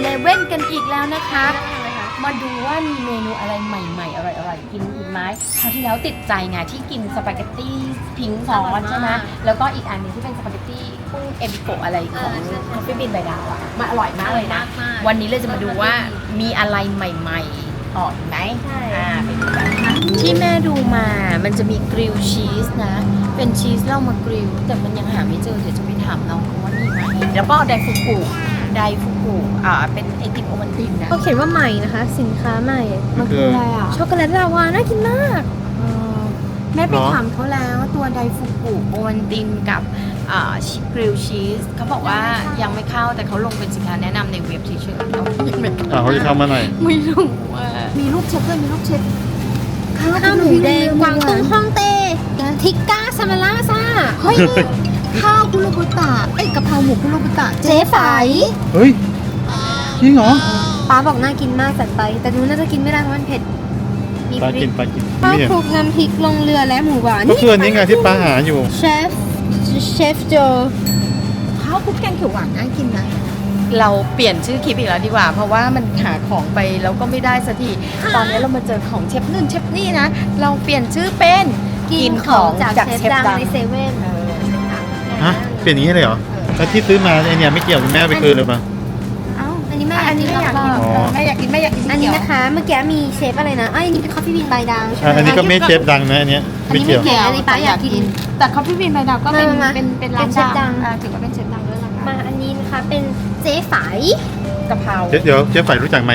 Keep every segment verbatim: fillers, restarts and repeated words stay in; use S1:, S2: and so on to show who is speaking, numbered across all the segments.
S1: เลเว่นกันอีกแล้วนะคะมาดูว่ามีเมนูอะไรใหม่ๆอร่อยๆกินอีกไหมคราวที่แล้วติดใจไงที่กินสปาเกตตี้พิงค์ซอสใช่ไหมแล้วก็อีกอันนึงที่เป็นสปาเกตตี้กุ้งเอบิโกะอะไรของคอฟฟี่บินใบดาวอ่ะมันอร่อยมากเลยนะวันนี้เราจะมาดูว่ามีอะไรใหม่ๆออกไหมอ่าไปดูกันที่แม่ดูมามันจะมีกริลชีสนะเป็นชีสเรามากริลแต่มันยังหาไม่เจอเดี๋ยวจะไปถามน้องเขาว่ามีไหมแล้วก็ไดฟุกุไดฟุกุอ่าเป็นไอติมโอวัลตินนะ
S2: เขาเขียนว่าใหม่นะคะ สินค้าใหม่
S1: มันคืออะไรอ่ะ
S2: ช็อกโกแลตลาวาน่ากินมาก
S1: แม่ไปถามเขาแล้วตัวไดฟุกุโอวัลตินกับกริลชีสเขาบอกว่ายังไม่เข้าแต่เขาลงเป็นสินค้าแนะนำในเว็บเฉยๆเขายังไม่
S3: อ่าเขาจะเข้ามาหน่อย
S1: ไม่รู้ว่ามีลูกเชฟด้วยมีลูกเชฟ
S2: ข้าวหมูแดงกวางตุ้งฮ่องเต้ทิกก้าซามาล่าซ่า
S1: เฮ้ยข้าวคุโรบุตะเอ้ยกะเพราหมูคุโรบุตะ
S2: เจ๊ไฝ
S3: เฮ้ยจริงเหรอ
S2: ป้าบอกน่ากินมากจัดไป แต่หนูน่าจะกินไม่ได้เพราะมันเผ็ด มี
S3: ปลา
S2: พริ
S3: กิ
S2: ก
S3: นปลากิน
S2: ข้าว
S3: ไม่เห็น
S2: คลุกน้ำพริกลงเรือและหมูหวาน
S3: ก็คืออันนี้ไงที่ป้าหาอยู่
S2: เชฟเชฟโจ
S1: ข้าวคลุกแกงเขียวหวานน่ากินนะเราเปลี่ยนชื่อคลิปอีกแล้วดีกว่าเพราะว่ามันหาของไปแล้วก็ไม่ได้สักทีตอนนี้เรามาเจอของเชฟนู่นเชฟนี่นะเราเปลี่ยนชื่อเป็นกินของจากเชฟดัง
S2: ในเซเว่น
S3: ฮะ เปลี่ยนอย่างนี้เลยเหรอ แล้วที่ซื้อมาไอเนี่ยไม่เกี่ยวกับแม่ไปคืนเลยปะ
S1: เอ้า
S2: อันนี้แม่
S1: อันนี้ไม่อยากกิน
S3: อ๋อ
S1: แม่อยากกินแม่อยากกิน
S2: อันนี้นะคะ เมื่อกี้มีเชฟอะไรนะอ้ยอันนี้เป็นคอฟฟี่บินใบดาวใช่
S3: อ่ะ
S2: ไหม
S3: อันนี้ก็ไม่เชฟดังนะอันเนี้ยไม่เกี่ยว
S2: อันนี้ไม่เกี่ยว อัป้าอยากกิน
S1: แต่คอฟฟี่บีนใบดาวก็เป็น
S2: มามา
S1: เป็นเป็นร้าน
S2: เป็นเชฟดัง
S1: อ่าถือว่าเป็นเชฟดังด้วยนะคะ
S2: มาอันนี้นะคะเป็นเจ๊ไฝ
S1: กะเพรา
S3: เดี๋ยวเดี๋ยวเจ๊ฝ่ายรู้จักไหม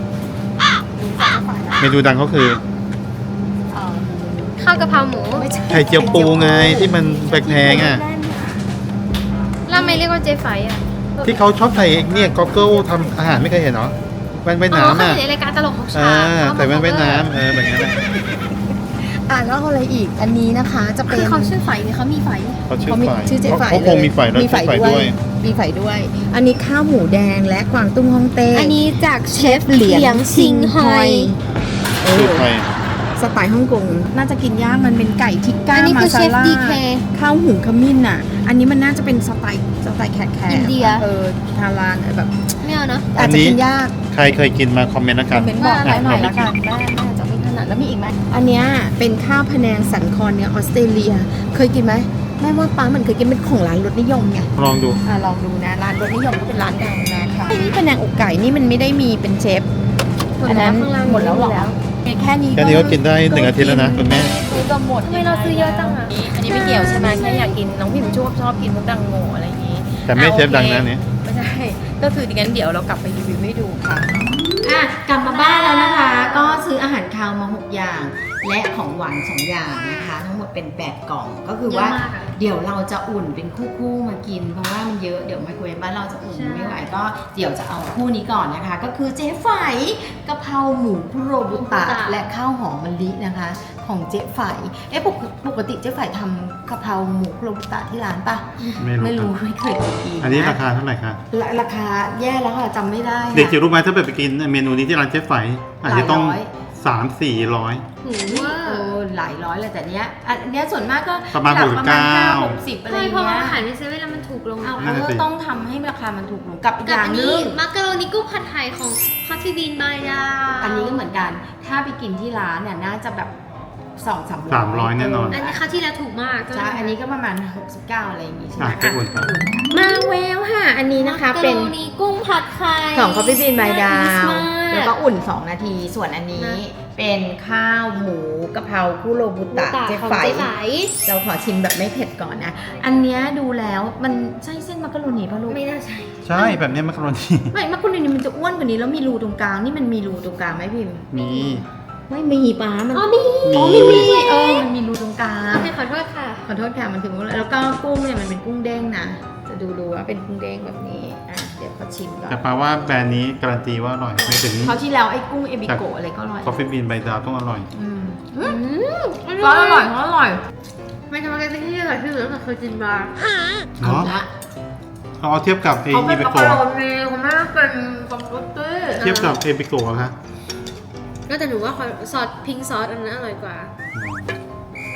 S3: เมนูดังเขาคือ
S1: เอ่อ
S2: ข้าวกะเพราหมู
S1: ไม่ใช่
S3: ไข่เจียวปูไงที่มันแพงๆอ่ะ
S2: แล้วทำไมเรียกว่าเจ๊ไฝอ่ะ
S3: ที่เขาชอบใส่เนี่ยก็เกิลทำอาหารไม่เคยเห็นเหรอแว่นว่าย
S2: อ๋อ
S3: น้ำ
S2: เขา
S3: อ่ะ
S2: อยู่ในรายการตลกของ
S3: อ่า
S2: ชา
S3: ใส่แว่นว่ายน้ำเออแบบนั้นอ่ะ
S1: อ่าแล้วอะไรอีกอันนี้นะคะจะเป็
S2: คื
S1: น
S2: อเขาชื่อไฝเนี่ยเขามีไฝ
S3: เขาชื่อ
S1: เขามี
S3: ฝ่าย
S1: ชื่อเจ๊ไฝ
S3: เขาคงมีฝ่ายแล้ว
S1: มี
S3: ชื่อฝ่ายด้วย
S1: มีไฝด้วย อันนี้ข้าวหมูแดงและกวางตุ้งฮ่องเต้
S2: อันนี้จากเชฟ
S1: เหลียง
S2: งชิงฮอย
S1: เอ
S3: ชื่อ
S1: อ
S3: ใคร
S1: สไตล์ฮ่องกงน่าจะกินยากมันเป็นไก่ทิกก้า
S2: อันนี้
S1: มา
S2: คือ
S1: ซา
S2: เชฟ
S1: ล่า
S2: ดีเค
S1: ข้าวหุงขมิ้นอ่ะ อันนี้มันน่าจะเป็นสไตล์สไตล์แขกแขก
S2: อินเดีย
S1: เออทารานแบบ
S2: ไม่เอาเนาะ
S1: อาจจะกินยาก
S3: ใครเคยกินมาคอมเมนต์แล้วกัน
S1: เป็นบอก
S3: อ่ะ
S1: หน่อย
S3: เราไม่
S1: ละกันแม่แม่จะไม่ถนัดแล้วมีอีกไหมอันเนี้ยเป็นข้าวพะแนงสันคอเนื้อออสเตรเลีย เคยกินไหมแม่ว่าป้ามันเคยกินเป็นของร้านรสนิยมไง
S3: ลองดู
S1: อ่ะลองดูนะร้านรสนิยมก็เป็นร้านดังนะคะนี่พะแนงอกไก่นี่มันไม่ได้มีเป็นเชฟอันนั้นหมดแล้วหรอแค่นี้
S3: แค่นี้ก็กินได้หนึ่งอาทิตย์แล้วนะคุณแม่
S1: ซื้อก็หมด
S2: ทำไมเราซื้อเยอะจังอ่ะ
S1: อันนี้ไม่เกี่ยวใช่ไหมแค่อยากกินน้องพิมชอบชอบกินพวกดังโง่อะไรอย่างงี้
S3: แต่ไม่เชฟดังนะ
S1: อ่
S3: เนี่ย
S1: ไม่ใช่ก็คืองั้นเดี๋ยวเรากลับไปรีวิวให้ดูค่ะอ่ะกลับมาบ้านแล้วนะคะ ก็ซื้ออาหารคาวมาหกอย่าง และของหวานสองอย่างนะคะ ทั้งหมดเป็นแปดกล่องก็คือว่า
S2: เยอะมากอะ
S1: เดี๋ยวเราจะอุ่นเป็นคู่ๆมากิน เพราะว่ามันเยอะเดี๋ยวไมโครเวฟบ้านเราจะอุ่น
S2: ใช่
S1: ไม่ไหวก็เดี๋ยวจะเอาคู่นี้ก่อนนะคะ ก็คือเจ๊ไฝกะเพราหมูคุโรบุตะและข้าวหอมมะลินะคะ ของเจ๊ไฝเอ๊ะปกปกติเจ๊ไฝทำกะเพราหมูคุโรบุตะที่ร้านปะ
S3: ไม่รู้
S1: ไม่รู้ไม่เคยกิน
S3: อันนี้ราคาเท่าไหร่คะ
S1: ราราคาแย่แล้วค่ะจำไม่ได้ค่ะ
S3: เด็กจิ๋วรู้ไหมถ้าแบบไปกินเมนูนี้ที่ร้านเชฟไฝอาจจะต้อง
S1: หลายร้อย
S3: สามสี่ร้อย
S2: หู
S1: อุ๊ย
S2: ว่า
S1: เออหลายร้อยเลยแต่เนี้ยอันเนี้ยส่วนมากก็
S3: ประมาณ
S1: หลั
S3: หกสิบเก้า
S1: ประมณห้หกสิบอะไร
S2: ใช่
S1: อย่าง
S2: เพราะว่า
S1: เงี้ย
S2: อาหารในเซเว่นแล้วมันถูกลง
S1: เอา
S3: นั่นน่ะสิ
S1: ก็ต้องทำให้ราคามันถูกลงกับอีกอ
S2: กับ
S1: ย่าง
S2: อัน
S1: หนึ
S2: นี้
S1: ง
S2: มักกะโรนีกุ้งผัดไทยของคอฟฟี่บีนบายดา
S1: อันนี้ก็เหมือนกัน ถ้าไปกินที่ร้านเนี่ยน่าจะแบบสองสามร้อย
S3: สามร้อยแน่นอน
S2: อันนี้คราวที่แล้วถูกมาก
S1: ใช่อันนี้ก็ประมาณหกสิบเก้าอะไรอย่างงี้ใช่ไหม
S3: อ่ะไปอุ่นครับ
S1: มาแววค่ะ อันนี้นะคะเป็น
S2: มักกะโรนีกุ้งผัดไข่
S1: ของ Coffee Bean by ดาว
S2: น่ากินมาก
S1: แล้วก็อุ่น สอง นาที ส่วนอันนี้
S2: นะ
S1: เป็นข้าวหมูกะเพราคุโรบุตะเจ๊
S2: ของ
S1: ไฝ
S2: เจ๊ไฝ
S1: เราขอชิมแบบไม่เผ็ดก่อนนะ อันเนี้ยดูแล้วมันใช่เส้นมักกะโรนีป่ะลูก
S2: ไม่น่าใช่
S3: ใช่แบบนี้มักกะโรนี
S1: ไม่มักกะโรนีมันจะอ้วนกว่านี้แล้วมีรูตรงกลาง นี่มันมีรูตรงกลางไหมพิมพ์
S3: มี
S1: ไม่มีป้ามัน
S2: อ๋อมี
S1: อ๋อ
S3: มี
S1: มีมีเออมันมีรูตรงกลาง
S2: โอเคขอโทษค่ะ
S1: ขอโทษค่ะมันถึงแล้วก็กุ้งเนี่ยมันเป็นกุ้งเด้งนะ จะดูดูว่าเป็นกุ้งเด้งแบบนี้ อ่ะเดี๋ยวขอชิมก่อน
S3: แต่ปาว่าแบรนด์นี้การันตีว่าอร่อยไม่ถึง
S1: คราวที่แล้วไอ้กุ้งเอบิโกะอะไรก็อร่อย
S3: คอฟฟี่บีนใบดาวต้องอร่อย
S1: อืม
S2: อืม
S1: ก็อร่อยก็อร่อย
S2: ไม่ทำอะไรกันที่อร่อยที่สุดตั้งแต่เคยกินมา
S3: เนาะ
S1: ละ
S3: เราเอาเทียบกับเอ
S1: เขาเป็น
S3: บิ
S1: มัก
S3: โก
S1: กะโรนีเขาไม่ได้เป็นสปาเกตตี้
S3: เทียบกับเอบิโกะคะ
S2: ก็แต่หนูว่าซอสพิงซอสอันนั้นอร่อยกว่า
S1: อ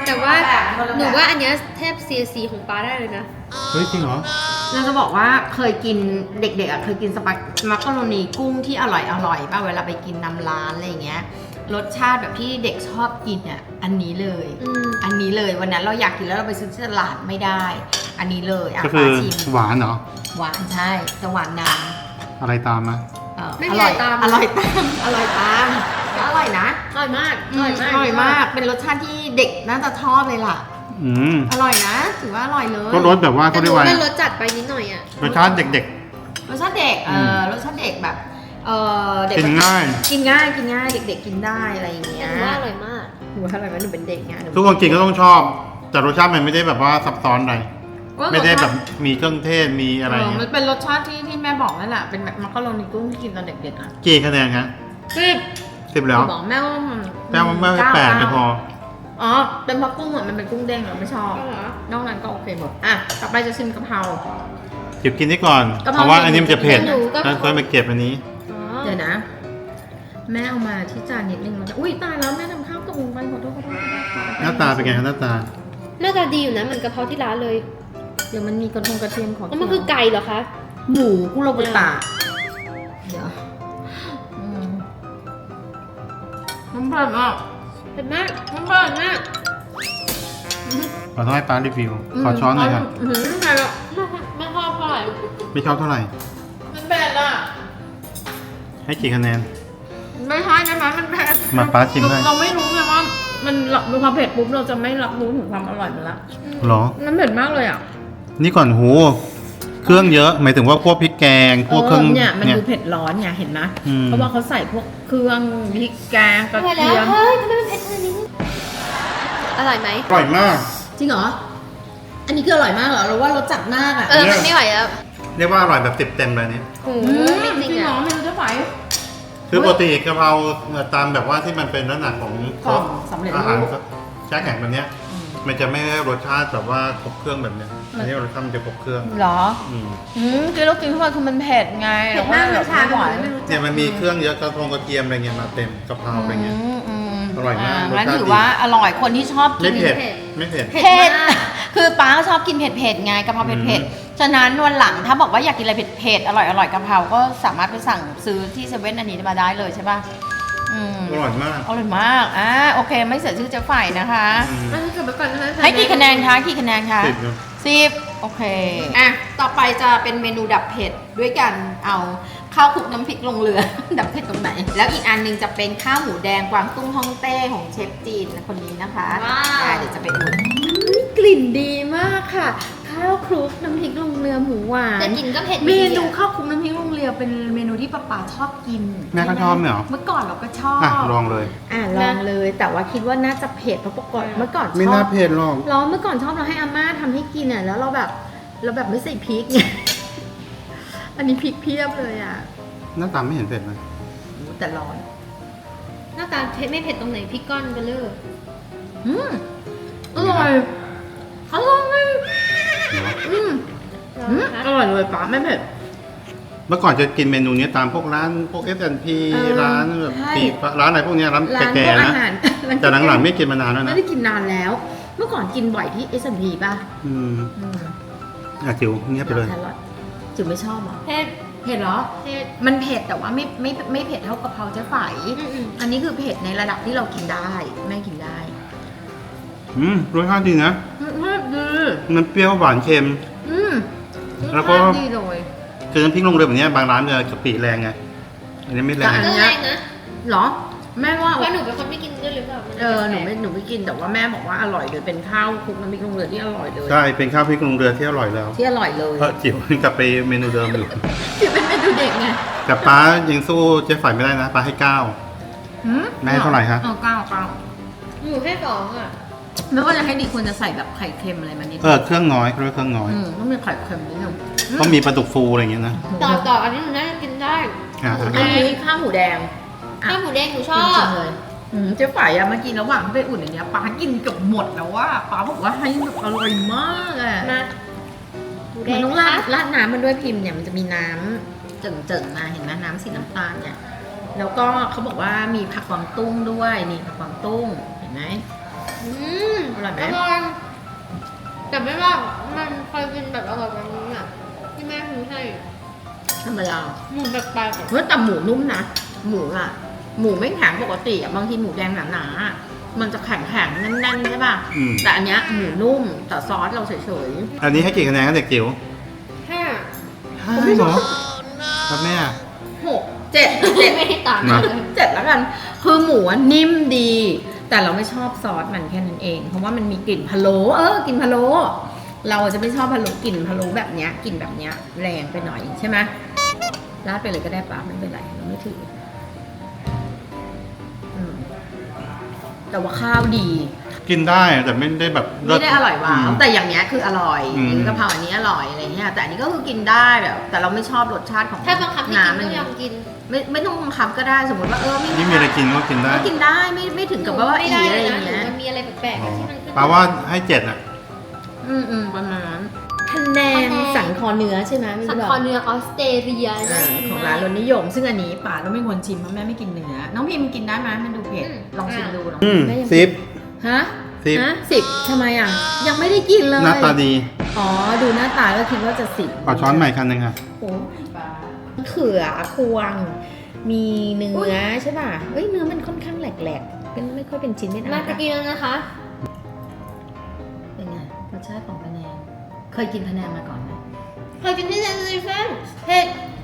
S2: แต่ว่าหนูว่าอันเนี้ยแทบ ซี ซี ของป้าได้เลยนะ
S3: เฮ้ยจริงเหรอ
S1: เราจะบอกว่าเคยกินเด็กๆอ่ะเคยกินสปามักกะโรนีกุ้งที่อร่อยอร่อยป่ะเวลาไปกินนำร้านอะไรอย่างเงี้ยรสชาติแบบที่เด็กชอบกินอ่ะอันนี้เลย
S2: อืม
S1: อันนี้เลยวันนั้นเราอยากกินแล้วเราไปซื้อที่ตลาดไม่ได้ อันนี้เลยอ่ะ
S3: ก็คือ
S1: ปลาชิม
S3: หวานเหรอ
S1: หวานใช่จะหวานน
S3: อะไรตามมา
S1: ำเอ่อ
S2: ไม่
S1: อ
S2: มี
S1: ร่อย
S2: อะไรตาม
S1: อร่อยตามอร่อยตามก็อร่อยนะ
S2: อร่อยมาก
S1: อืมอร่อยมากเป็นรสชาติที่เด็กน่าจะชอบเลยล่ะ
S3: อืม
S1: อร่อยนะถือว่าอร่อยเลย
S3: ก็รสแบบว่า
S2: แต่
S3: เขา
S2: ห
S3: เรี
S2: นู
S3: ยกว่า
S2: ว่ารสจัดไปนิดหน่อยอ่ะ
S3: รสชาติเด็ก
S1: รสชาติเด็กเออรสชาติเด็กแบบเออเด็ก
S3: กินง่าย
S1: กินง่ายกินง่ายเด็กๆกินได้อะไรอย่างเงี้
S2: แต่
S1: ย
S2: หนูว่าอร่อยมาก
S1: หนูว่าอร่อยไหมหนูเป็นเด็กไงห
S3: ๆ ทุกคนกินก็ต้องชอบ แต่รสชาติมันไม่ได้แบบว่าซับซ้อนอะไร ไม่ได้แบบมีเครื่องเทศมีอะไร
S1: เออ
S3: เงี้
S1: มัน
S3: ย
S1: เป็นรสชาติที่ที่แม่บอกนั่นแหละเป็นแบบมักกะโรนีกุ้งที่กินตอนเด็กๆอ่ะ
S3: กี่คะแนนครับ
S1: สิบ
S3: สิบแล้ว
S1: บอกแม่ว่ามัน
S3: แม่ว่าแม่ให้
S1: เก้า
S3: แปดไม่พอ
S1: อ๋อเป็นเพราะกุ้งอ่ะมันเป็นกุ้งเด้งเราไม่ชอบ
S2: ก็เหรอ
S1: นอกนั้นก็โอเคหมดอ่ะต่อไปจะชิมกะเพรา
S3: จิบกินได้ก่อน
S1: กะเพ
S3: เพ
S1: รา
S3: ราะว่าอันนี้มันจะเผ็ด
S2: หนูก็
S3: แล้วก็ไปเก็บอันนี้
S2: อ๋อ
S1: เดี๋ยวนะ แม่เอามาที่จานนิดนึงมันจะอุ้ยตายแล้วแม่ทำข้าวกระบุงไปขอโทษขอโทษขอโทษ
S3: หน้าตาเป็นไงครับหน้าตา
S2: หน้าตาดีอยู่นะเหมือนกะเพราที่ร้านเลย
S1: เดี๋ยวมันมีกระทงกระเทียมของ
S2: แล้วมันคือไก่เหรอคะ
S1: หมูกุโรบุตะเดี๋ยวอืมมันเผ็ดมาก
S2: เผ็ดมาก
S1: มันเผ็ด
S2: มาก
S3: ขอต้องให้ป้ารีวิว ขอช้อนหน่อยครับ
S1: อืมเผ็ดอะ
S2: ไม่ชอบเท่าไหร่
S3: ไม่ชอบเท่าไหร่
S1: มันเผ็ดอะ
S3: ให้กี่คะแนน
S1: ไม่ใช่นะคะมันเผ็ด
S3: มาป้าชิมให้
S1: เราไม่รู้ไงว่ามันมีความเผ็ดปุ๊บเราจะไม่รับรู้ถึงความอร่อยมันละ
S3: เหรอ
S1: มันเผ็ดมากเลยอ่ะ
S3: นี่ก่อนหู เครื่องเยอะ หมายถึงว่าพวกพริกแกง พวกเครื่อง
S1: เนี่ยมันดูเผ็ดร้อนไงเห็นไหม
S3: อืม
S1: เพราะว่าเขาใส่พวกเครื่องพริกแกงกระ
S2: อร่อยแล้
S1: เที
S2: วย
S1: ม
S2: เฮ้ยทำไมมันเผ็ดขนาดนี้อร่อยไหม
S3: อร่อยมาก
S1: จริงเหรอ อันนี้คืออร่อยมากเหรอหรือว่ารสจัดมากอ่ะ
S2: เออมันไม่ไหวแล้ว
S3: เรียกว่าอร่อยแบบติดเต็มเลยเนี่ย
S2: โอ้โห
S1: อืม
S2: ไม่
S1: จ
S2: จ
S1: ริ
S2: ริ
S1: ง
S2: ง
S1: เหรอ
S2: อ่ะ
S1: ไม่รู้จะไหว
S3: คือปกติกะเพราตามแบบว่าที่มันเป็นลักษณะของ
S1: กล่องสำเร็จรูป
S3: อาหารแช่แข็งแบบเนี้ย มันจะไม่ได้รสชาติแบบว่าครบเครื่องแบบเนี้ยอันนี้รสชาติมันจะครบเครื่อง
S1: เหรอ
S3: อืม
S1: อืมกินแล้วกินเข้าไปคือมันเผ็ดไง
S2: เผ็ดมากมันชา
S1: ไม่ไหว
S2: ไม่รู้จัก
S3: เนี่ยมันมีเครื่องเยอะกระทงกระเทียมอะไรเงี้ยมาเต็มกะเพราอะไรเงี้ย
S1: อืมอืม
S3: อร่อยมาก
S1: งั้น
S3: รสชาติ
S1: ถือว่าอร่อยคนที่ชอบกิ
S3: ไม่
S1: น
S3: เผ็ด ไม่เผ็ด
S2: เผ็ด
S1: เผ็ด
S2: มาก
S1: คือป้าชอบกินเผ็ดเผ็ดๆไงกะเพราเผ็ดเผ็ด
S3: อืม
S1: ฉะนั้นวันหลังถ้าบอกว่าอยากกินอะไรเผ็ดเผ็ดอร่อยอร่อยกะเพราก็สามารถไปสั่งซื้อที่เซเว่นอันนี้มาได้เลยใช่ป่ะอืม
S3: อร่อยมาก
S1: อร่อยมากอ่าโอเคไม่เสียชื่อเจ๊ฝ่ายนะคะ
S3: อืม
S2: มันเก็บไว้ก่อนนะคะ
S1: ให้กี่คะแนนคะกี่คะแนนคะ
S3: สิบเนอะ
S1: สิบโอเคอ่ะต่อไปจะเป็นเมนูดับเผ็ดด้วยกันเอาข้าวคลุกน้ำพริกลงเรือ ดับเผ็ดตรงไหน แล้วอีกอันหนึงจะเป็นข้าวหมูแดงกวางตุ้งฮ่องเต้ของเชฟจีนคนนี้นะคะ
S2: ว้าว
S1: อ่ะเดี๋ยวจะไปอุ่นกลิ่นดีมากค่ะ ข้าวคลุกน้ำพริกลงเรือหมูหวาน
S2: แต่กลินก็เผ็ด
S1: เม
S2: ดี
S1: นู
S2: อะ
S1: ข้าวคลุกน้ำพริกลงเรือเป็นเมนูที่ป้าป๋าชอบกิน
S3: แม่ก็ชอบไหมเหรอ
S1: เมื่อก่อนเราก็ชอบ
S3: อ่ะลองเลย
S1: อ่ะลองเลย แต่ว่าคิดว่าน่าจะเผ็ดเพราะปกติเมื่อก่อนชอบ
S3: ไม่น่าเผ็ดหรอก
S1: เราเมื่อก่อนชอบเราให้อาม่าทำให้กินอ่ะแล้วเราแบบเราแบบไม่ใส่พริกไง อันนี้พริกเพียบเลยอ่ะ
S3: หน้าตาไม่เห็นเผ็ดเลย
S1: โอ้แต่ร้อน
S2: หน้าตาเผ็ดไม่เผ็ดตรงไหนพริกก้อนเบลเลอร์
S1: อืมอร่อยอร่อย
S3: เนอะ
S1: อืม
S2: ร้อ
S1: อื
S2: น
S1: ม
S2: นะคะ
S1: อร่อยเลยป้าไม่เผ็ด
S3: เมื่อก่อนจะกินเมนูนี้ตามพวกร้านพวก เอส แอนด์ พี
S1: เออ
S3: ร้านแบบ
S1: ใช่
S3: ปีร้านอะไรพวกเนี้ยร้าน
S1: ร้านพ
S3: แก่
S1: วก
S3: ๆ
S1: อา
S3: นะ
S1: หาร
S3: แต่หลังๆไม่กินมานานแล้ว
S1: ไม่
S3: นะ
S1: ได้กินนานแล้ว เมื่อก่อนกินบ่อยที่ เอส แอนด์ พี ป่ะ
S3: อืม
S1: อืม
S3: อ่ะจิ๋วเงียบไปเลย
S1: แครอทจิ๋วไม่ชอบเหรอ
S2: เผ็ด
S1: เผ็ดเหรอ
S2: เผ็ด
S1: มันเผ็ดแต่ว่าไม่ไม่ไม่เผ็ดเท่ากะเพราเจ๊ไฝ
S2: อืมอืม
S1: อันนี้คือเผ็ดในระดับที่เรากินได้แม่กินได้
S3: อืมรสชาติดีนะ
S1: อืมดี
S3: มันเปรี้ยวหวานเค็ม
S1: อืม
S3: แล้วก็
S1: รสชาติดีเลย
S3: คือน้ำพริกลงเรือแบบเนี้ยบางร้านจะกะปิแรงไง อันนี้ไม่แร
S1: แต่
S3: ง
S1: อัน
S2: ก็
S1: เนี้
S2: แร
S1: ย
S2: งนะ
S1: เหรอ แม่ว่า
S2: เพราะหนูเป็นคนไม่กินด้วยหรือเปล่า
S1: เออหนูไม่หนูไม่กินแต่ว่าแม่บอกว่าอร่อยเลยเป็นข้าวคลุกน้ำพริกลงเรือที่อร่อยเลย
S3: ใช่ เป็นข้าวพริกลงเรือที่อร่อยแล้ว
S1: ที่อร่อยเลย
S3: เพราะจิ๋วกลับไปเมนูเดิมอยู่
S1: ที่เป็นเมนูเด็กไง
S3: แต่ป้ายังสู้เจ๊ฝ่ายไม่ได้นะป้าให้เก้า
S1: หืม
S3: แม่ให้เท่าไหร่ฮะ
S1: เออเก้าเก้า
S2: หนูแค่สองอ่ะ
S1: ไม่ว่าจะให้ดีควรจะใส่แบบไข่เค็มอะไรมานิด
S3: เออเครื่องน้อยเขาเรียกเครื่องน้อย
S1: อืมต้องมีไข่เค็มนิดนึง
S3: ต้องมีปลาดุกฟูอะไรอย่างเงี้ยนะ
S2: ต่อต่ออันนี้หนูน่าจะกินได้
S3: อ่า
S1: อันนี้ข้าวหมูแดง
S2: ข้าวหมูแดงหนูช
S1: จ
S2: อ
S1: ริ
S2: บ
S1: งๆเลยอืมเจ๊ฝ่ายอะมากินระหว่างที่ไปอุ่นอย่างเงี้ยป้ากินเกือบหมดแล้วว่าป้าบอกว่าให้แบบอร่อยมากอะ
S2: มาหมูแด
S1: มัน
S2: ง
S1: ต้อง
S2: นะ
S1: รา
S2: คะ
S1: ดราดน้ำมันด้วยพิมพ์เนี่ยมันจะมีน้ำเจิ่งๆมาเห็นไหมน้ำสีน้ำตาลเนี่ยแล้วก็เขาบอกว่ามีผักกวางตุ้งด้วยนี่ผักกวางตุ้งเห็นไหม
S2: อืม
S1: อร่อยไหม
S2: อร่อยแต่ไม่ว่ามันเคยกินแบบอร่อยแบบนี้อ่ะที่แม่ซื้อให้
S1: ธรรมดา
S2: หมูแปลกๆอะ
S1: เฮ้ยแต่หมูนุ่มนะ หมูอ่ะ หมูไม่แข็งปกติอ่ะบางทีหมูแดงหนาๆอะมันจะแข็งแข็งๆแน่นๆใช่ป่ะ
S3: อืม
S1: แต่อันเนี้ยหมูนุ่มแต่ซอสเราเฉย
S3: อันนี้ให้กี่คะแนนครับเด็กจิ๋ว
S2: ห้า
S3: ห้าเหรอครับแม่
S1: ๆหกเจ็ดเจ็ด
S2: ไม่ได้ต่าง
S3: นะ
S2: กันเลย
S1: เจ็ดแล้วกัน คือหมูอะนิ่มดี แต่เราไม่ชอบซอสมันแค่นั้นเอง เพราะว่ามันมีกลิ่นพะโล้เออกลิ่นพะโล้เราจะไม่ชอบพะโล้กลิ่นพะโล้แบบเนี้ยกลิ่นแบบเนี้ยแรงไปหน่อยใช่ไหมราดไปเลยก็ได้ปะไม่เป็นไรเราไม่ถืออืมแต่ว่าข้าวดี
S3: กินได้แต่ไม่ได้แบบเลิ
S1: ไม่
S3: ศ
S1: ได้อร่อยว้าว
S3: ม
S1: แต่อย่างเนี้ยคืออร่อย
S3: อืม
S1: กะเพราอันนี้อร่อยอะไรเงี้ยแต่อันนี้ก็คือกินได้แบบ แต่เราไม่ชอบรสชาติของ
S2: ถ้าบังคับให้กิน
S1: น้ำมั
S2: ก็ยอมกิน
S1: ไม่ไม่ต้องบังคับก็ได้สมมติว่าเออไม่
S3: นี่มีอะไรกินก็กินได้
S1: ก็กินได้ไม่ไม่ถึงกับว่าว่า
S2: ไม่
S1: อี
S2: ได้
S1: อะไร
S2: เลย
S1: อ
S2: นะ
S1: ย่าง
S2: หนู
S1: เงี้ย
S2: มันมีอะไรแปลกๆอะที่มันขึ้น
S3: แปลว่าให้เจ็ดอ่ะ
S1: อืมอืมประมาณนั้นคะแนนสันคอเนื้อใช่ไหมไม่
S2: สัน
S1: รู้
S2: คอเนื้อออสเตรเลีย
S1: อ่าของร้านรสนิยม ซึ่งอันนี้ป่าต้องไม่ควรชิมเพราะแม่ไม่กินเนื้อน้องพิมกินได้ไหมมันดูเผ็ดลองชิมดูลอง
S3: อืม
S1: แม่ยัง
S3: สิบ
S1: ฮะ
S3: สิบ
S1: ฮะสิบทำไมอ่ะ ยังไม่ได้กินเลย
S3: หน้าตาดี
S1: อ๋อดูหน้าตาก็คิดว่าจะสิบ
S3: ขอช้อนใหม่คันหนึ่งค่ะ
S1: โอ้เขือควง มีเนื้อใช่ป่ะเอ้ยเนื้อมันค่อนข้างแหลกๆเป็นไม่ค่อยเป็นชิ้นเป็นอัน
S2: มาจะกินแล้วนะคะ
S1: เป็นไงรสชาติของพะแนงเคยกินพะแนงมาก่อนไหม
S2: เคยกินที่เซนซิเฟน
S1: เผ็ด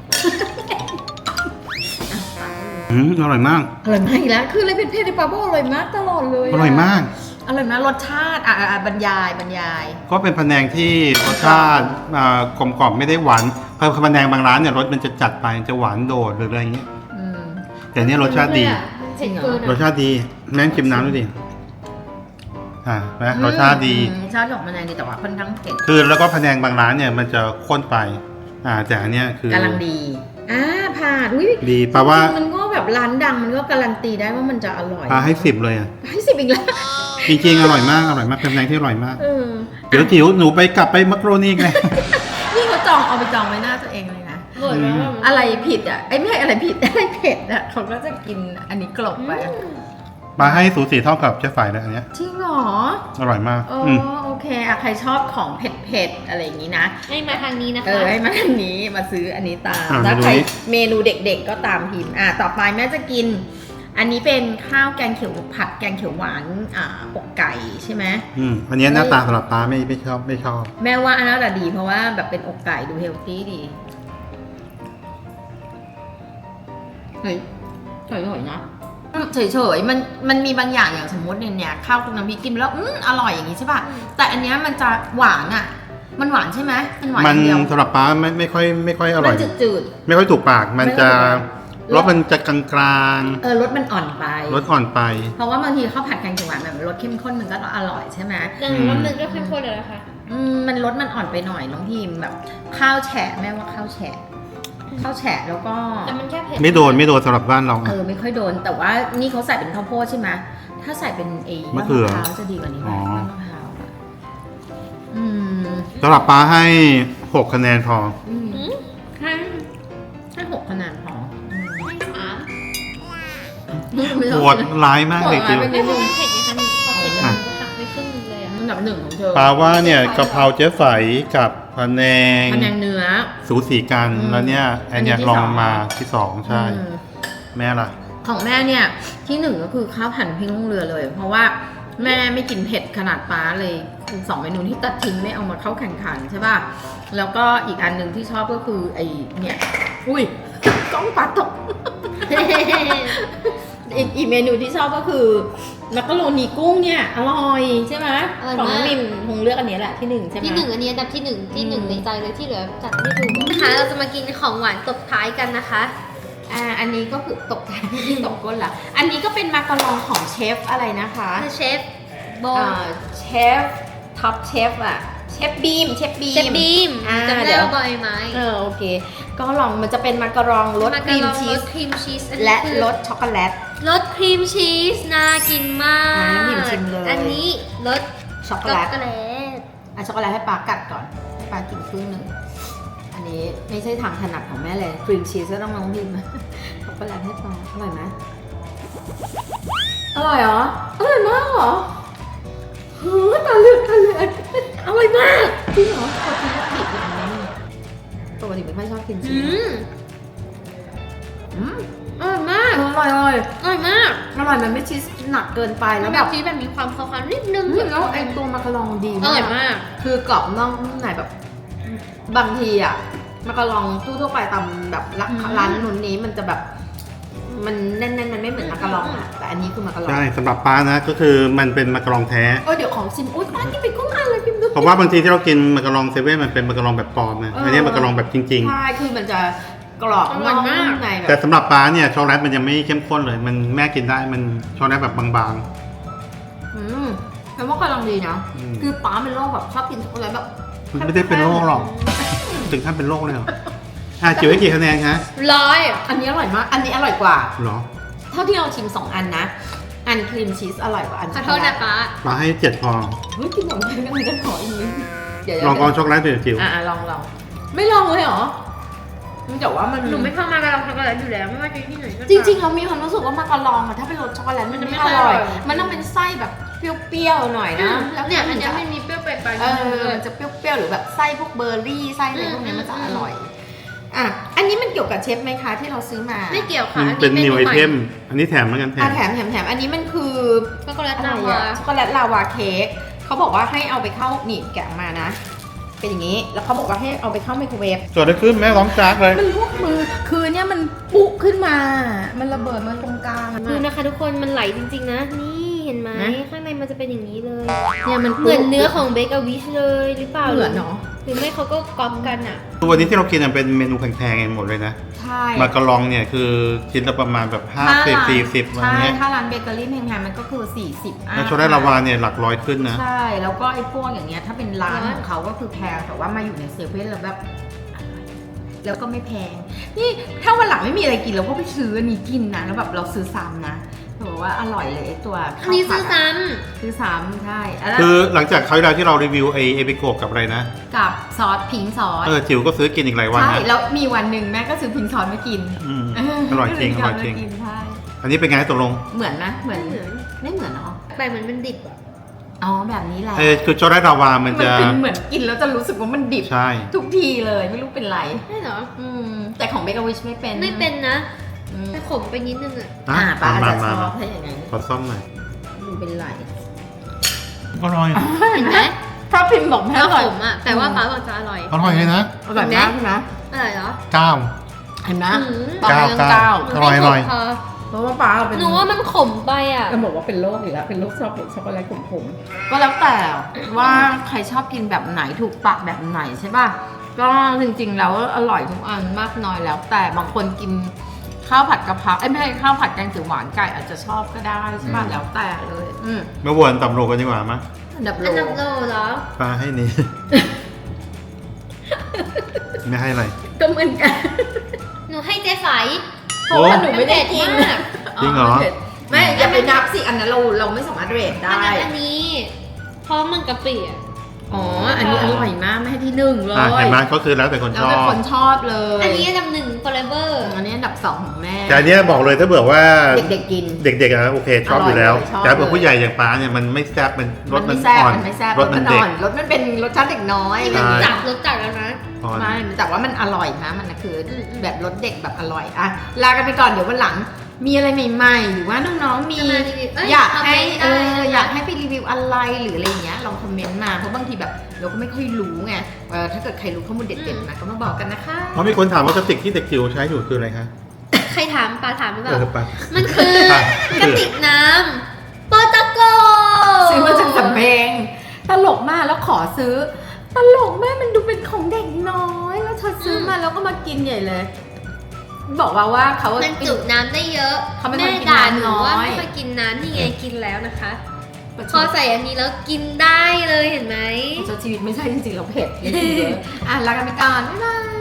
S3: อืมอร่อยมาก
S1: อร่อยมากอีกแล้วคืออะไรเผ็ดๆในปลาโบอร่อยมากตลอดเลยะ
S3: อร่อยมาก
S1: อร่อยมากรสชาติอ่ะอ่ะอ่ะบรรยายบรรยาย
S3: ก็เป็นพะแนงที่รสชาติอ่ากลมกล่อมไม่ได้หวานเพราะพะแนงบางร้านเนี่ยรสมันจะจัดไปจะหวานโดดหรืออะไรอย่างเงี้ย
S1: อืม
S3: แต่เนี้ยรสชาติดี
S2: เผ็ดเกิน
S3: รส
S2: อะ
S3: ชาติดีแม่งชิมน้ำดูดิอ่านะรสชาติดี
S1: อืมรสชาติของพะแนงดีแต่ว่าค่อนข้างเผ็ด
S3: คือแล้วก็พะแนงบางร้านเนี่ยมันจะข้นไป อ่าแต่อันเนี้ยคือก
S1: ำลังดีอ่าผ่านอุ้ย
S3: ดีแปลว่า
S1: จริงๆมันก็แบบร้านดังมันก็การันตีได้ว่ามันจะอร่อย
S3: ปลาให้สิบเลยอ่ะ
S1: ให้สิบอีกแล้ว
S3: จริงๆอร่อยมากอร่อยมากเป็นพะแนงที่อร่อยมาก
S1: เออ
S3: เดี๋ยวจิ๋วหนูไปกลับไปมักโรนีไง
S1: นี่เขาจองเอาไปจองไว้หน้าตัวเองเลยนะ
S2: อร่อยมาก
S1: อะไรผิดอ่ะไอ้ยไม่ใช่อะไรผิด อะไรเผ็ดอ่ะเขาก็จะกินอันนี้กลบไป
S3: ปลาให้สูสีเท่ากับเจ๊ฝ่ายเลยอันเนี้ย
S1: จริงเหรอ
S3: อร่อยมาก
S1: อ๋อ
S3: อืม
S1: โอเคอะใครชอบของเผ็ดๆอะไรอย่างนี้นะ
S2: ให้มาทางนี้นะ
S1: เอ
S2: คะ
S1: อให้มาทางนี้มาซื้ออันนี้ตาม
S3: อ่า
S1: ถ้า
S3: เมนู
S1: ใคร
S3: นี้
S1: เมนูเด็กๆก็ตามพิมพ์อ่ะต่อไปแม่จะกิน อันนี้เป็นข้าวแกงเขียวผัดแกงเขียวหวานอ่าอกไก่ใช่ไหม
S3: อืมอันเนี้ยหน้าตาสำหรับปลาไม่ไม่ชอบไม่ชอบ
S1: แม่ว่าอันนั้นแหละดีเพราะว่าแบบเป็นอกไก่ดูเฮลตี้ดีเฮ้ยเฉยๆนะอืมเฉยๆมันมันมีบางอย่างอย่างสมมติเนี่ยเนี่ยข้าวคลุกน้ำพริกกินไปแล้วอืมอร่อยอย่างนี้ใช่ป่ะแต่อันเนี้ยมันจะหวานอ่ะ มันหวานใช่ไหมมันหวานอ
S3: มัน
S1: ย่างเดียว
S3: สำหรับปลาไม่ไม่ค่อยไม่ค่อยอร่
S1: มั
S3: อย
S1: นจืด
S3: ไม่ค่อยถูกปาก มันจะ
S1: ไม่ค่อยถูกปาก
S3: รสมันจะกลาง
S1: ๆเออรสมันอ่อนไป
S3: ๆรสอ่อนไป
S1: เพราะว่าบางทีข้าวผัดแกงเขียวหวานแบบรสเข้มข้นมันก็อร่อยใช่ไหม
S2: แต่หนูว่ามันก็เข้มข้นเลยนะคะ
S1: อืมมันรสมันอ่อนไปหน่อยน้องพิมแบบ ข้าวแฉะแม่ว่าข้าวแฉะข้าวแฉะแล้วก็
S2: แต่มันแค่เผ็ด
S3: ไม่โดนไม่โดนสำหรับบ้านเรา
S1: เออไม่ค่อยโดน แต่ว่านี่เขาใส่เป็นข้าวโพดใช่ไหมถ้าใส่เป็นเอ
S3: มะเขือ
S1: มะพร้าวจะดีกว่านี้ไหม
S3: อ๋อ
S1: มะพร้าวอะอืม
S3: สำหรับปลาให้หกคะแนนพอ
S1: อืม
S2: อืม
S1: ให้ให้หกคะแนนพออืม
S2: ให้สาม
S1: ไม่
S3: โห
S1: ต้อง
S3: ดร้ายมากเลยจิ๋ว
S1: โหดร้ายไป
S2: ไม่รู้เผ็ดไงคะพอเผ็ดแล้วมันก็หักไปครึ่งนึงเลยอะ
S1: อันดับหนึ่งของเธอ
S3: ปลาว่าเนี่ยกะเพราเจ๊ไฝกับพะแนง
S1: คะแนนเนื้อ
S3: สูสีกัน
S1: อืม
S3: แล้วเนี่ยอันเนี้ย
S1: อันนี้ที่
S3: ลอง
S1: สอง
S3: มาที่สองใช่
S1: อืม
S3: แม่ล่ะ
S1: ของแม่เนี่ยที่หนึ่งก็คือข้าวผัดพริกลงเรือเลย เพราะว่าแม่ไม่กินเผ็ดขนาดป้าเลยคือสองเมนูที่ตัดทิ้งไม่เอามาเข้าแข่งขันใช่ป่ะแล้วก็อีกอันหนึ่งที่ชอบก็คือไอเนี่ยอุ้ย กล้องปลาตก อีกอีกเมนูที่ชอบก็คือมักกะโรนีกุ้งเนี่ยอร่อยใช่ไหม
S2: อร่อย
S1: ของ
S2: มาก
S1: น้องมิมคงเลือกอันนี้แหละที่หนึ่งใช่ไหม
S2: ที่หนึ่งอันนี้อันดับที่หนึ่งที่หนึ่ง
S1: อืม
S2: ในใจเลยที่เหลือจัดไม่ถูกนะคะเราจะมากินของหวานตบท้ายกันนะคะ
S1: อ่าอันนี้ก็คือตกใจ ตกก้นละอันนี้ก็เป็นมาการองของเชฟอะไรนะคะ
S2: เชฟโบ
S1: อ่าเชฟท็อปเชฟอะเชฟบีมเชฟบีม
S2: เชฟบีม
S1: อ่า
S2: จำ
S1: เดี๋
S2: ได้
S1: ยว
S2: ว่าบอยไหม
S1: เออโอเค ก็ลองมันจะเป็นมาการองรสครีมชีส
S2: รสครีมชีสอันนี้
S1: และ
S2: คือ
S1: รสช็อกโกแลต
S2: รสครีมชีสน่ากินมาก
S1: อ่าน้ำพิมชิมเลย
S2: อันนี้รส
S1: ช็อกโก
S2: ช็อก
S1: แลต
S2: โกแลต
S1: อ่ะช็อกโกแลตให้ปากัดก่อนให้ปากินครึ่งหนึ่งอันนี้ไม่ใช่ทางถนัดของแม่เลยครีมชีสก็ต้องลองพิม ช็อกโกแลตให้ปาอร่อยไหมอร่อยเหรออร่อยมากเหรอเฮ้ยตาเลือดตาเลือดอร่อยมากจริงเหรอขอกินวัตถุดิบอย่างนี้ปกติไม่ค่อยชอบกินชี
S2: อื
S1: ส
S2: ม
S1: อืม
S2: อร่อยมาก
S1: อร่อยอร่อย
S2: อร่อยมาก
S1: อร่อยมันไม่ชีสหนักเกินไป
S2: แล้
S1: แล้ว ว
S2: แบ
S1: แบบ บ
S2: ที่แบบมีความคาวๆนิดนึง
S1: อืมแล้วไอ้ตัวมาการองดี
S2: อ
S1: มาก
S2: ร่อยมาก
S1: คือกรอบนอกนุ่มในแบบ บางทีอะมาการองทั่วๆไปตามแบบร้าน
S2: อืม
S1: ร้านนู้นนี้มันจะแบบ มันแน่นๆมันไม่เหมือนมาการองอะแต่อันนี้คือมาการอง
S3: ใช่สำหรับป้านะก็คือมันเป็นมักกะรองแท้
S1: เออเดี๋ยวของชิมอุ้ยป้ากินไปกุ้งอันเลยพิมพ์ดู
S3: เพราะว่าบางทีที่เรากินมักกะรองเซเว่นมันเป็นมักกะรองแบบปลอมนะ
S1: เอออั
S3: อันนี้มักกะรองแบบจริง
S1: ใช่คือมันจะกรอบ
S2: อร่อยมาก
S1: นุ่ในแบ
S3: ๆ แต่
S1: บ
S3: สำหรับป้าเนี่ยช็อกโกแลตมันยังไม่เข้มข้นเลย มันแม่กินได้มันช็อกโกแลตแบบบาง
S1: อืมแปลว่ากำลังดีนะ
S3: อืม
S1: คือป้าเป็นโรคแบบชอบกินช็อกโกแลตแบบ
S3: ๆมันไม่ได้เป็นโรคหรอกถึงขั้นเป็นโรคเลยเหรออ่ะจิ๋วให้กี่คะแนนคะ
S2: ร้อย
S1: อันนี้อร่อยมาก อันนี้อร่อยกว่า
S3: เหรอ
S1: เท่าที่เราชิมสองอันนะ อันครีมชีสอร่อยกว่าอัน
S2: ขอโทษนะป้า
S3: ป้าให้เจ็ดพอ
S1: เฮ้ยกินของไทยกันจะขออีกนิดเดี๋ยว
S3: ลองกองช็อกโกแลตเดี๋ยวจิ๋ว
S1: อ่ะลองลองไม่ลองเลยเหรอมันแต่ว่ามัน
S2: หนูไม่ชอบมาการองช็อกโกแลตอยู่แล้วไม่ว่าจะที่ไหนก็ตาม
S1: จริงๆเรามีความรู้สึกว่ามาการองอะถ้าเป็นรสช็อกโกแลตมันจะไม่อร่อย มันต้องเป็นไส้แบบเปรี้ยวๆหน่อย
S2: อื
S1: นะ
S2: ม
S1: แล้ว
S2: เนี่ย
S1: มั
S2: อัน
S1: น
S2: เนี้
S1: จะ
S2: ยมันมีเปรี้ยวไปไป
S1: เออมันจะเปรี้ยวๆหรือแบบไส้พวกเบอร์รี่ไส้อะไรพวกเนี้ยมันจะ
S2: อืม
S1: อร่อยอ่ะอันนี้มันเกี่ยวกับเชฟไหมคะที่เราซื้อมา
S2: ไม่เกี่ยวค่ะ
S3: มัน
S2: อัน
S3: เป็น
S2: นี้
S3: นิวไอ
S2: ใหม่
S3: เทม อันนี้แถมเหมือนกันแถ
S1: อ่ะ
S3: ม
S1: แถมแถมแถมอันนี้มันคือ
S2: ช็อกโกแลต
S1: อะไร
S2: ลาวา
S1: อะช็อกโกแลตลาวาเค้กเขาบอกว่าให้เอาไปเข้านี่แกะออกมานะ เป็นอย่างนี้แล้วเขาบอกว่าให้เอาไปเข้าไมโครเวฟ
S3: เกิดอะไรขึ้นแม่ร้องจากเลย
S1: มันลวกมือคือเนี่ยมันปุขึ้นมา มันระเบิดมาตรงกลาง
S2: ดูนะคะทุกคนมันไหลจริงๆนะ นี่เห็นไหม
S1: นะ
S2: ข้างในมันจะเป็นอย่างนี้เลย
S1: เนี่ยมัน
S2: เหมือนเนื้อของเบเกอร์วิชเลยหรือเปล่า
S1: เหมือนเนาะ
S2: หรือไม่เขาก็ก๊อปกันอ่ะ
S3: ตัวนี้ที่เรากินอะเป็นเมนูแพงๆหมดเลยนะ
S1: ใช่
S3: มากะลองเนี่ยคือชิ้นละประมาณแบบห้าสิบสี่สิบอะไร
S1: ใช่
S3: เงี้ย
S1: ถ้าร้านเบเกอรี่แพงๆมันก็คือสี่สิบอ่ะ
S3: แล้วช็อกโกแลตลาวาเนี่ยหลักร้อยขึ้นนะ
S1: ใช่แล้วก็ไอ้พวกอย่างเงี้ยถ้าเป็นร้าน
S2: ร้าน
S1: ของเขาก็คือแพงแต่ว่ามาอยู่ในเซเว่นแล้วแบบแล้วก็ไม่แพง นี่ถ้าวันหลังไม่มีอะไรกินเราก็ไปซื้ออันนี้กินนะแล้วแบบเราซื้อซ้ำนะบอกว่าอร่อยเลยไอ้ตัว
S2: อัน
S1: ข้าว
S2: นี้
S1: ผั
S2: ซื้
S1: ด
S2: อซ้
S1: ซื้อซ้ำใช่แล้ว
S3: คือหลังจากคราวที่แล้วที่เรารีวิวไอเอพิโกะกับอะไรนะ
S1: กับซอสพิงซอส
S3: เออจิ๋วก็ซื้อกินอีกหลายวัน
S1: ใช่
S3: นะ
S1: แล้วมีวันหนึ่งแม่ก็ซื้อพิงซอสมากิน
S3: อืมอร่อยจริงอร่อยจริง
S1: ก็เลกินใช่
S3: อันนี้เป็นไงตกลง
S1: เหมือนนะเหมือน
S2: ำเหมือน
S1: ไม่เหมือนเนาะ
S2: ไปเหมือนมันดิบอ่ะ
S1: อ๋อแบบนี้แหละ
S3: เออคือช็อกโกแลตลาวามัน
S1: มัน
S3: จะ
S1: เป็นเหมือนกินแล้วจะรู้สึกว่ามันดิบ
S3: ใช่
S1: ทุกทีเลยไม่รู้เป็นไร
S2: ใช่เหรอ
S1: อืมแต่ของเบเกอร์วิชไม่เป็น
S2: ไม่เป็นนะ
S1: อืม
S2: แต่ขมไปนิดนึงอ่ะ
S1: อ่าป้าอาจ
S3: มา
S1: จะช
S3: มา
S1: อ
S3: มา
S1: บถ้าอย่างนั้น
S3: ขอซ่อมหน่อย
S1: ดูเป็นไร
S3: อร่อย
S2: เห็นไหม
S1: เพราะพิมพ์บอกแม่
S2: ถ้า
S1: อร่อย
S2: ขมอ่ะแต่ว่าป้าบอกจะอร่อย
S3: อร่อยเลยนะ
S1: อร่อยมากใช่ไหม
S2: อร่อยเหรอ
S3: เก้า
S1: เห็นไหม
S2: อืม
S1: ตอนนี้ยังเก้า
S3: อร่อยอร่อย
S2: พอ
S1: เพราะว่าป้าเอาเป็น
S2: หนูว่ามันขมไปอ่ะ
S1: เราบอกว่าเป็นโรคอีกแล้วเป็นโรคชอบช็อกโกแลตขมๆก็แล้วแต่ว่าใครชอบกินแบบไหนถูกปากแบบไหนใช่ป่ะก็จริงๆแล้วอร่อยทุกอันมากน้อยแล้ว แต่บางคนกินข้าวผัดกะเพราเอ้ยไม่ใช่ข้าวผัดแกงเขียวหวานไก่อาจจะชอบก็ได้ใช่ป่ะแล้วแต่เลยอืม
S3: เมื่อวนต่ำโลกันดีกว่ามั้ย
S1: อันดับโล
S2: อันดับโลเหรอ
S3: ปลาให้นี่ ไม่ให้อะไร
S1: ก็เหมือนกัน
S2: หนูให้เจ๊ไฝ
S1: เพราะว่าหนูไม่ได้กิน
S2: มาก
S3: จริงเหรอ
S1: ไม่อย่าไปนับสิอันนั้นเราเราไม่สามารถเรท
S2: อัน
S1: ได้
S2: นั้นอันนี้เพราะมันกะปิอ่ะ
S1: อ๋ออันนี้อร่อยมากไม่ให้ที่หนึ่งเลย
S3: อ่ะเห็นไหมก็คือแล้วแต่คน
S1: แล้
S3: ช
S1: ว
S3: อ
S1: แต่
S3: บ
S1: คนชอบเลย
S2: อันนี้อันดับหนึ่ง forever
S1: อันนี้อันดับสองของแม่
S3: แต่อันเนี้ยบอกเลยถ้าเบื่อว่า
S1: เด็กๆกิน
S3: เด็กๆอะโอเคชอบอยู่แล้ว
S1: อร่อยเลยชอบ
S3: แต่เผื่อ
S1: เลย
S3: ผู้ใหญ่อย่างป้าเนี่ยมันไม่แซ่บมันรสมัน
S1: ไแซ่บ
S3: อ่อน
S1: มันไม่แซ่บ
S3: รสมันเด็ก
S1: อ่อนรสมันเป็นรสชาติเด็กน้อย
S2: นี่
S3: ใช่
S2: มันจัดรสจัดแล้วนะ
S3: อ่อน
S1: ไม่แต่ว่ามันอร่อยนะมันนะคืออ
S2: มอืม
S1: แบบรสเด็กแบบอร่อยอะลากันไปก่อนเดี๋ยววันหลัง มีอะไรใหม่ๆหรือว่าน้องๆมี
S2: จะมารีวิวเอ้ย
S1: อยากให้
S2: คอมเมนต์
S1: เอ
S2: ได้
S1: อ
S2: นะคะ
S1: อยากให้ไปรีวิวอะไรหรืออะไรอย่างเงี้ยลองคอมเมนต์มาเพราะบางทีแบบเราก็ไม่ค่อยรู้ไงเออถ้าเกิดใครรู้ข้อมูลเด็ดๆนะก็มาบอกกันนะคะ
S3: เพราะมีคนถามว่ากระติกที่เด็กจิ๋วใช้อยู่คืออะไรคะ
S2: ใครถามปลาถามหรือเป
S3: เอ
S2: ล่า
S3: อปะ
S2: มันคือกระติกน้ำปอตะโก
S1: ซื้อมาจากสำเพ็งตลกมากแล้วขอซื้อ ตลกมากมันดูเป็นของเด็กน้อย แล้วเธอซื้อมาแล้วก็มากินใหญ่เลย บอกว่าว่าเขา
S2: มันจุน้ำได้เยอะ
S1: เขาเป็นคน
S2: แม่
S1: กิน
S2: ด่า
S1: น้ำ
S2: หนูว่า
S1: น้อย
S2: ไม่ค่อยกินน้ำนี่ไงกินแล้วนะคะ
S1: ประ
S2: พ
S1: ช
S2: อ
S1: ด
S2: ใส่อันนี้แล้วกินได้เลยเห็นไหม
S1: ประชดชีวิตไม่ใช่จริงๆเราเผ็ดเลยกินเยอะอ่ะลากันไปก่อนบ๊ายบาย